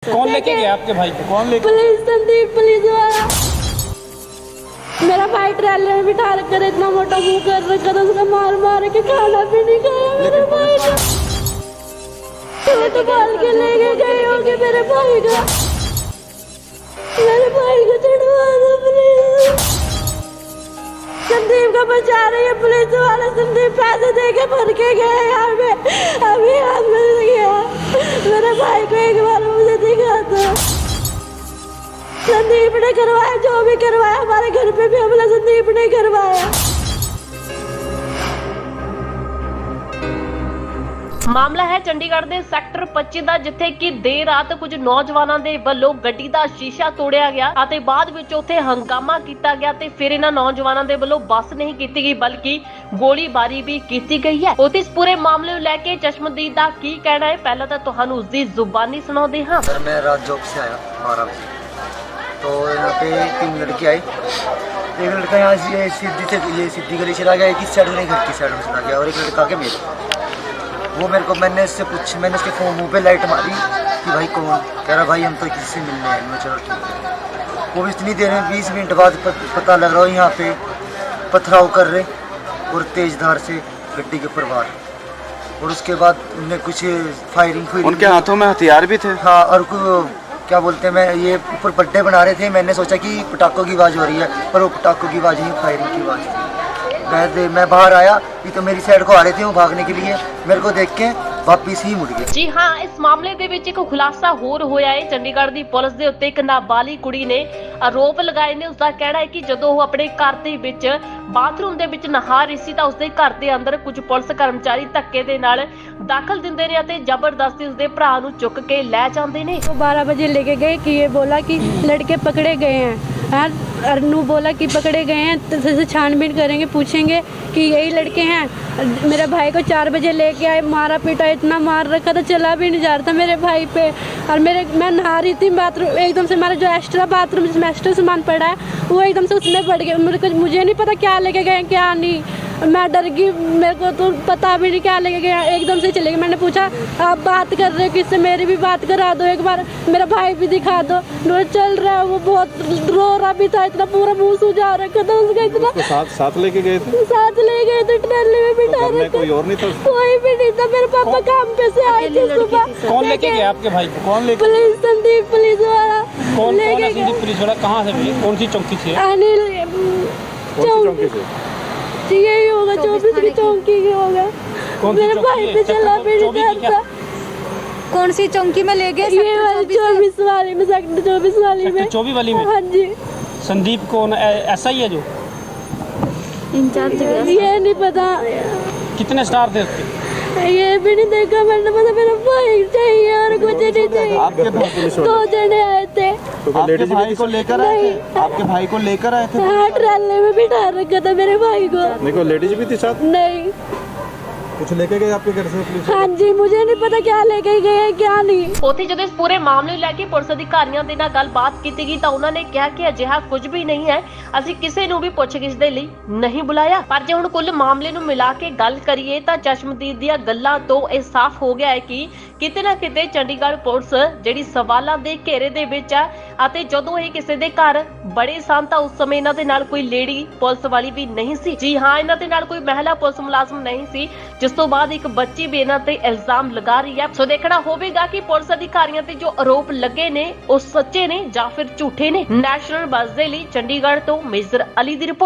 कौन लेके गया आपके भाई को? कौन लेके? पुलिस, संदीप पुलिस वाला। मेरा भाई ट्रेलर में बिठा रखा था, इतना मोटा मुंह कर रखा था, उसका मार मार के खाना भी नहीं खाया मेरे भाई का। तो बाल के लेके गए होंगे मेरे भाई का। मेरे भाई को चढ़वा दो प्लीज। संदीप का बचा रही है पुलिस वाला। संदीप पैसे दे के भर के गए यहाँ पे, अभी हाथ में गया। मेरे भाई को एक बार मुझे दिखा दो। संदीप ने करवाया, जो भी करवाया, हमारे घर पे भी हमला संदीप ने करवाया। ਮਾਮਲਾ ਹੈ ਚੰਡੀਗੜ੍ਹ ਦੇ ਸੈਕਟਰ 25 ਦਾ, ਜਿੱਥੇ ਕਿ ਦੇਰ ਰਾਤ ਕੁਝ ਨੌਜਵਾਨਾਂ ਦੇ ਵੱਲੋਂ ਗੱਡੀ ਦਾ ਸ਼ੀਸ਼ਾ ਤੋੜਿਆ ਗਿਆ ਅਤੇ ਬਾਅਦ ਵਿੱਚ ਉੱਥੇ ਹੰਗਾਮਾ ਕੀਤਾ ਗਿਆ ਤੇ ਫਿਰ ਇਹਨਾਂ ਨੌਜਵਾਨਾਂ ਦੇ ਵੱਲੋਂ ਬੱਸ ਨਹੀਂ ਕੀਤੀ ਗਈ ਬਲਕਿ ਗੋਲੀਬਾਰੀ ਵੀ ਕੀਤੀ ਗਈ ਹੈ। ਉਸ ਪੂਰੇ ਮਾਮਲੇ ਨੂੰ ਲੈ ਕੇ ਚਸ਼ਮਦੀਦ ਦਾ ਕੀ ਕਹਿਣਾ ਹੈ, ਪਹਿਲਾਂ ਤਾਂ ਤੁਹਾਨੂੰ ਉਸ ਦੀ ਜ਼ੁਬਾਨੀ ਸੁਣਾਉਂਦੇ ਹਾਂ। सर मैं रात जॉब से आया 12 बजे, तो यहाँ पे 3 लड़के आए। एक लड़का यहाँ से ये सीधी गली चला गया, एक इस साइड में घर की साइड में चला गया, और एक लड़का के मेरे वो मेरे को मैंने उसके फोन मुँह पे लाइट मारी कि भाई कौन? कह रहा भाई हम तो किसी से मिलने आए। मैं चलो ठीक है। वो भी इतनी देर में 20 मिनट बाद पता लग रहा हो यहाँ पे पथराव कर रहे और तेज धार से गड्डी के ऊपर वार, और उसके बाद उनने कुछ फायरिंग उनके हाथों में हथियार भी थे। हाँ, और क्या बोलते हैं, मैं ये ऊपर पट्टे बना रहे थे। मैंने सोचा कि पटाखों की आवाज़ हो रही है, पर वो पटाखों की आवाज़ नहीं, फायरिंग की आवाज़ थी। मैं बाहर आया, ये तो मेरी साइड को आ रहे थे वो भागने के लिए, मेरे को देख के वापिस ही मुड़ गए। ਜੀ ਹਾਂ, ਇਸ ਮਾਮਲੇ ਦੇ ਵਿੱਚ ਇੱਕ ਖੁਲਾਸਾ ਹੋਰ ਹੋਇਆ ਹੈ। ਚੰਡੀਗੜ੍ਹ ਦੀ ਪੁਲਿਸ ਦੇ ਉੱਤੇ ਇੱਕ ਨਾਬਾਲਿਗ ਕੁੜੀ ਨੇ ਆਰੋਪ ਲਗਾਏ ਨੇ। ਉਸ ਦਾ ਕਹਿਣਾ ਹੈ ਕਿ ਜਦੋਂ ਉਹ ਆਪਣੇ ਘਰ ਦੇ ਵਿੱਚ ਬਾਥਰੂਮ ਦੇ ਵਿੱਚ ਨਹਾ ਰਹੀ ਸੀ ਤਾਂ ਉਸਦੇ ਘਰ ਦੇ ਅੰਦਰ ਕੁਝ ਪੁਲਿਸ ਕਰਮਚਾਰੀ ਧੱਕੇ ਦੇ ਨਾਲ ਦਾਖਲ ਦਿੰਦੇ ਨੇ ਅਤੇ ਜ਼ਬਰਦਸਤੀ ਉਸਦੇ ਭਰਾ ਨੂੰ ਚੁੱਕ ਕੇ ਲੈ ਜਾਂਦੇ ਨੇ। 12 बजे लेके गए कि ये बोला कि लड़के पकड़े गए हैं। अरनू बोला कि पकड़े गए हैं, तो जैसे छानबीन करेंगे, पूछेंगे कि यही लड़के हैं। मेरे भाई को 4 बजे लेके आए, मारा पीटा, इतना मार रखा था, चला भी नहीं जा रहा था मेरे भाई पे। और मैं नहा रही थी बाथरूम, एकदम से हमारा जो एक्स्ट्रा बाथरूम जिसमें एक्स्ट्रा सामान पड़ा है वो एकदम से उसमें पड़ गया। मुझे नहीं पता क्या लेके गए क्या नहीं, मैं डर गई, मेरे को तो पता भी नहीं क्या लेके गया, एकदम से चले गए। मैंने पूछा आप बात कर रहे हो किससे, मेरी भी बात करा दो एक बार, मेरा भाई भी दिखा दो। चल रहा है, वो बहुत रो रहा भी था, इतना पूरा मुंह सूजा रखा था उसका, इतना साथ लेके गए थे। साथ ले गए थे, ट्रेले में बिठा रखा। कोई और नहीं था? कोई भी नहीं था। मेरे पापा काम पे से आए थे सुबह। कौन लेके गया आपके भाई को? कौन लेके? पुलिस, संदीप पुलिस वाला। कौन है संदीप पुलिस वाला? कहाँ से भी? कौन सी चौकी से? अनिल चौकी से यही होगा, 24 की चौकी की होगा। मेरे भाई पे चला भी नहीं था। कौन सी चौकी में ले गए? ये वाली 24 वाली में, सेक्टर 24 वाली में। 24 वाली में? हाँ जी। संदीप कौन ऐसा ही है जो इंचार्ज? ये नहीं पता। कितने स्टार थे उसके? ये भी नहीं देखा मैंने, पता मेरा भाई चाहिए और कुछ नहीं चाहिए। आपके भाई पुलिस 2 जने आए थे। आपके भाई को लेकर आए थे? आपके भाई को लेकर आए थे? हाँ, ट्रेले में बिठा रखा था मेरे भाई को। देखो लेडीज भी थी साथ? नहीं। कुछ लेके गए आपके घर से पुलिस? हाँ जी, मुझे नहीं पता क्या लेके गए क्या नहीं। ਉੱਥੇ ਜਦੋਂ ਇਸ ਪੂਰੇ ਮਾਮਲੇ ਨੂੰ ਲੈ ਕੇ ਪੁਲਿਸ ਅਧਿਕਾਰੀਆਂ ਦੇ ਨਾਲ ਗੱਲਬਾਤ ਕੀਤੀ ਗਈ ਤਾਂ ਉਹਨਾਂ ਨੇ ਕਿਹਾ ਕਿ ਅਜਿਹਾ ਕੁਝ ਵੀ ਨਹੀਂ ਹੈ, ਅਸੀਂ ਕਿਸੇ ਨੂੰ ਵੀ ਪੁੱਛਗਿੱਛ ਦੇ ਲਈ ਨਹੀਂ ਬੁਲਾਇਆ। ਪਰ ਜੇ ਹੁਣ ਕੁੱਲ ਮਾਮਲੇ ਨੂੰ ਮਿਲਾ ਕੇ ਗੱਲ ਕਰੀਏ ਤਾਂ ਚਸ਼ਮਦੀਦ ਦੀਆਂ ਗੱਲਾਂ ਤੋਂ ਇਹ ਸਾਫ਼ ਹੋ ਗਿਆ ਹੈ ਕਿ ਕਿਤੇ ਨਾ ਕਿਤੇ ਚੰਡੀਗੜ੍ਹ ਪੁਲਿਸ ਜਿਹੜੀ ਸਵਾਲਾਂ ਦੇ ਘੇਰੇ ਦੇ ਵਿੱਚ ਹੈ ਅਤੇ ਜਦੋਂ ਇਹ ਕਿਸੇ ਦੇ ਘਰ ਬੜੇ ਸਨ ਤਾਂ ਉਸ ਸਮੇਂ ਇਹਨਾਂ ਦੇ ਨਾਲ ਕੋਈ ਲੇਡੀ ਪੁਲਿਸ ਵਾਲੀ ਵੀ ਨਹੀਂ ਸੀ। ਜੀ ਹਾਂ, ਇਹਨਾਂ ਦੇ ਨਾਲ ਕੋਈ ਮਹਿਲਾ ਪੁਲਿਸ ਮੁਲਾਜ਼ਮ ਨਹੀਂ ਸੀ, ਜਿਸ ਤੋਂ ਬਾਅਦ ਇੱਕ ਬੱਚੀ ਵੀ ਇਹਨਾਂ ਤੇ ਇਲਜ਼ਾਮ ਲਗਾ ਰਹੀ ਹੈ। ਸੋ ਦੇਖਣਾ ਹੋਵੇਗਾ ਕਿ ਪੁਲਿਸ ਅਧਿਕਾਰੀਆਂ ਤੇ ਜੋ ਆਰੋਪ ਲੱਗੇ ਨੇ ਉਹ ਸੱਚੇ ਨੇ ਜਾਂ ਫਿਰ ਝੂਠੇ ਨੇ। ਨੈਸ਼ਨਲ ਬੱਸ ਦੇ ਲਈ ਚੰਡੀਗੜ੍ਹ ਤੋਂ ਮੇਜਰ ਅਲੀ ਦੀ ਰਿਪੋਰਟ।